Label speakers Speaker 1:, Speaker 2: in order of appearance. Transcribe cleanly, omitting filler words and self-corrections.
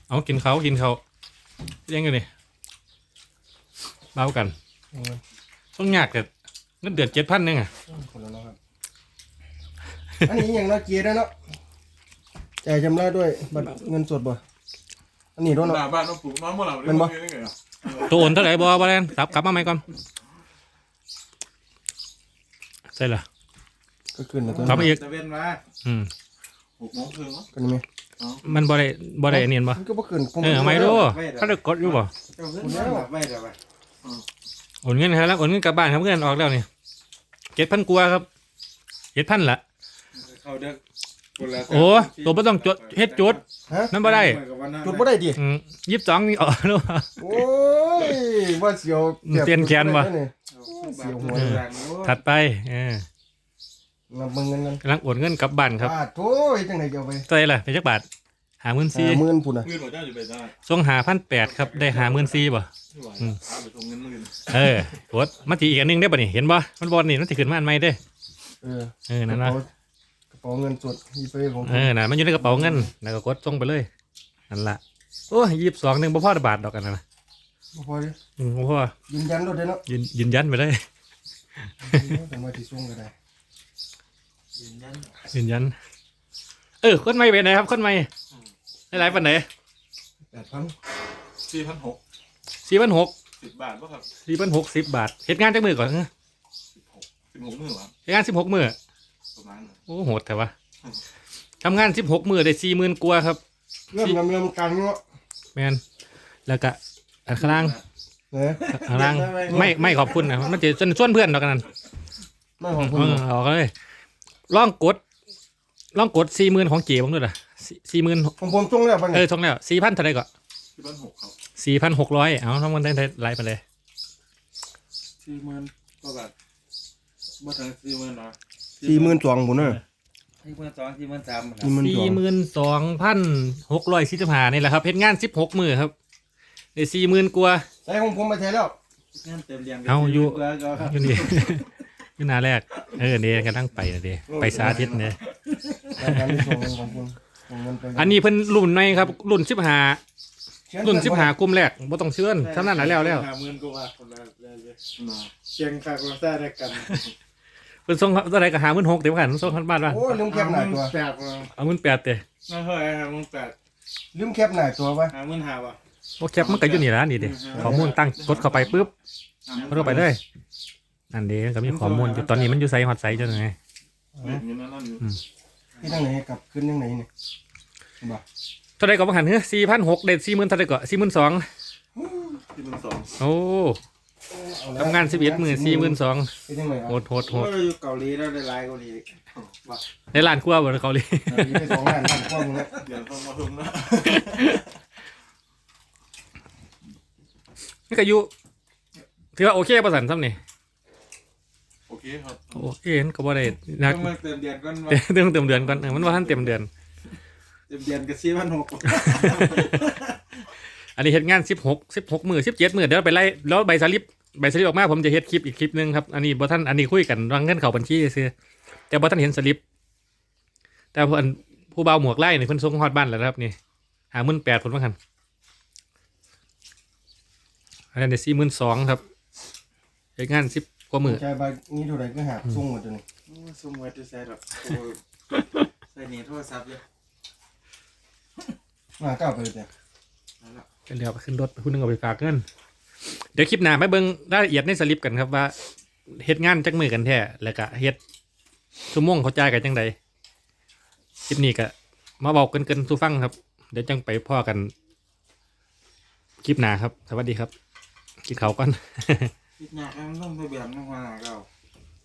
Speaker 1: เอากินเขายังไงนี่เบากันต้องยากแต่เงินเดือน7,000นึงอ่ะ
Speaker 2: คนละเนาะครับอันนี้อย่างเราเกียร์ได้เนาะจ่ายจำได้ด้วยบัตรเงินสดบ่อันนี้ด้วยเนาะ
Speaker 3: บ้านเราปลูกน้องเมื่อไหร่
Speaker 2: มันบ่
Speaker 1: ตัวโอนเท่าไหร่บ่แลนกลับมาไหมก่อนใช่เหรอ
Speaker 2: ก็ขึ้นแล้วตัว
Speaker 1: กลับมาอีก
Speaker 3: จะเว้นมา6:30มั้ง
Speaker 2: กันไหม
Speaker 1: มันบ่ได้เนียนบ่
Speaker 2: มันก็บ่ขึ้น
Speaker 1: เอาไม่รู้เขาได้กดอยู่บ่
Speaker 3: เจ้าเงินมาแบบไม่เดี๋ยวไป
Speaker 1: โอนเงินครับแล้วโอนเงินกลับบ้านครับเงินออกแล้วนี่7,000กว่าครับ7,000ละ
Speaker 3: เขาเด็ก
Speaker 1: โอ้ตัวไม่ต้องจดเฮ็ดจด
Speaker 2: ฮะ
Speaker 1: นั่นบ่ได้
Speaker 2: จุดบ่ได้ดิ
Speaker 1: 22นี่ออกแล้ว
Speaker 2: โอ้ยว่าเสียว
Speaker 1: เปลี่ยนแขนบ่
Speaker 2: เสียวหัว
Speaker 1: ถัดไป
Speaker 2: นับเบิ่งเงินกัน
Speaker 1: กำลังโอนเงินกลับบ้านครับ
Speaker 2: โถ่จังได๋จะเอาไป
Speaker 1: เท่าไหร่ล่ะเป็นจักบาท54,000
Speaker 2: 50,000พุ่นน่ะ
Speaker 3: เงินหัวเจ้าอยู่ไปได้
Speaker 1: ส่ง5,800ครับได้54,000บ่
Speaker 3: ไม่ไหวเอาไปส่งเงินมื่น
Speaker 1: กดมาทีอีกอันหนึงได้ป่ะนี่เห็นบ่มันบอลนี่มันสิขึ้นมาอันใหม่เด้ นั่นนะ
Speaker 2: กระเป๋าเงินสดอีเปของ
Speaker 1: น่ะมันอยู่ในกระเป๋าเงินแล้วก็กดส่งไปเลยนั่นล่ะโอ้ย22นึงบ่พอบาทดอกกันนะ
Speaker 2: บ่พอดิ
Speaker 1: บ่พอ
Speaker 2: ยืนยันรถได้เนาะ
Speaker 1: ยืนยันไปเลย
Speaker 2: เป็นว่าที่ส่งก็ได้
Speaker 1: ยืนยันคนใหม่ไปไหนครับคนใหม่หลายๆปานไหน
Speaker 2: 8,000
Speaker 3: 4,600
Speaker 1: 4,600
Speaker 3: 10 บาทป่ะครับ
Speaker 1: 4,600 10 บาทเฮ็ดงานจักมื้อก่อน
Speaker 3: 16มื้อครับ
Speaker 1: เฮ็ดงาน16มื้อ
Speaker 3: ประมาณนั้น
Speaker 1: โอ้โหดแต่ว่าทำงาน16มื้อได้40,000กว่าครับ
Speaker 2: เริ่มกลางเนาะ
Speaker 1: แม่นแล้วก็อันข้างล่าง
Speaker 2: เอ้ย
Speaker 1: ข้างล่างไม่ขอบคุณนะมันจะส่วนเพื่อนดอกกันนั่น
Speaker 2: ไม่ของคุณ
Speaker 1: ออกเลยลองกด40,000ของเก๋บ้างด้วยล่ะ40,000
Speaker 2: ของผมส่งแล้วป่ะเนี่ย
Speaker 1: ส่งแล้ว4,000เท่าไหร่ก็
Speaker 3: 4,600ครับ
Speaker 1: 4,600เอาทั้งมันได้ไลฟ์ไปเลย
Speaker 3: 40,000กว่าบาทบ่ถึง40,000นะ
Speaker 2: 42,000พุ่นน่ะ
Speaker 3: 42,000
Speaker 1: 42,645นี่แหละครับเฮ็ดงาน16มื้อครับได้40,000กว่า
Speaker 2: ใส่ของผมมาใช้แล้ว
Speaker 3: เงินเต็มเรียง
Speaker 1: เอาอยู่
Speaker 3: ครับ
Speaker 1: อยู่นี่ อยู่หน้าแรกนี่กำลังไปนะเด้ไปสาธิตเนี่ย
Speaker 2: รายการที่ส่งของคุณของเงินไป
Speaker 1: อันนี้เพิ่นรุ่นในครับรุ่น15กลุ่มแรกบ่ต้องเชื่อนเท่านั้นน่ะแล้ว
Speaker 3: 50,000กว่าบาทคนละเลยเชียงคากเราได้ได้กัน
Speaker 1: เพิ่นส่งเท่าไหร่ก็56,000เดี๋ยวกันส่งคันบ้านว่า
Speaker 2: โอ้ยลืมแคปหน้าตัว
Speaker 3: 8มา
Speaker 1: เอา18,000เด้
Speaker 3: ไม่เท่าไหร่58
Speaker 2: ลืมแคปหน้าตัวไว้
Speaker 3: 55,000ว่ะ
Speaker 1: โอ้แคปมันก็อยู่นี่ล่ะนี่เด้ข้อมูลตั้งกดเข้าไปปุ๊บกดเข้าไปเลยนั่นเด้ก็มีข้อมูลอยู่ตอนนี้มันอยู่ไสฮอดไสจังไง
Speaker 3: อยู่นั่นอยู่
Speaker 2: ที่ทางไหนกลับขึ้นทางไหนเนี่ยบ่
Speaker 1: เท่าไหร่ก็บ่หันเฮ้อ4,600ได้40,000เท่าไหร่ก็42,000
Speaker 3: ที่มึงสอง
Speaker 1: โอ้ทำงาน11มื้อ42,000
Speaker 2: ที่ทางไหน
Speaker 1: โหด
Speaker 3: โอ้ยอยู่เกาหลีแล้วได้ไลน์เกาหลี
Speaker 1: ในร้านครัวบ่เกาหลี
Speaker 2: ไป2 ล้านท่านพ่อมึงแล้ว
Speaker 3: เดี๋ยวต้องมาทุ่มนะ
Speaker 1: นี่ก็อยู่ถือว่าโอเคป่ะสันซ้ำนี่
Speaker 3: โอเคครับ
Speaker 1: โอเคก็บ่ได้นัก
Speaker 3: ต้องมาเติมเดือนก่อน
Speaker 1: เต็มเดือนก่อนมันว่าท่านเต็มเดือน
Speaker 3: เติมเดือนกับ4,600
Speaker 1: อันนี้เฮ็ดงาน16มื้อ17มื้อเดี๋ยวไปไล่แล้วใบสลิปออกมาผมจะเฮ็ดคลิปอีกคลิปนึงครับอันนี้บ่ท่านอันนี้คุยกันวางเงินเข้าบัญชีซื่อแต่บ่ท่านเห็นสลิปแต่ผู้เบาหมวกไล่นี่เพิ่นส่งฮอดบ้านแล้วนะครับนี่58,000ผมว่าคั่นอันนี้42,000ครับเฮ็ดงาน10กว่ามื้อ
Speaker 2: จ่ายใบนี้เท่าไหร่ก็หาส่งหมดตัวนี้
Speaker 3: สมมติจะใส่หรอกใส่นี่โทรศัพท์เลย
Speaker 2: มาก้าวไปเลยเนี่ย
Speaker 1: เดี๋ยวขึ้นรถผู้นึงเอาไปฝากเงินเดี๋ยวคลิปหน้าไปเบิ่งรายละเอียดในสลิปกันครับว่าเฮ็ดงานจักมือกันแท้แล้วก็เฮ็ดชั่วโมงเขาจ่ายกันจังใดคลิปนี้ก็มาบอกกันสู่ฟังครับเดี๋ยวจังไปพ่อกันคลิปหน้าครับสวัสดีครับกินข้าวก่อน
Speaker 3: คิดยากมันต้องไปเบียนมากกว่าเรา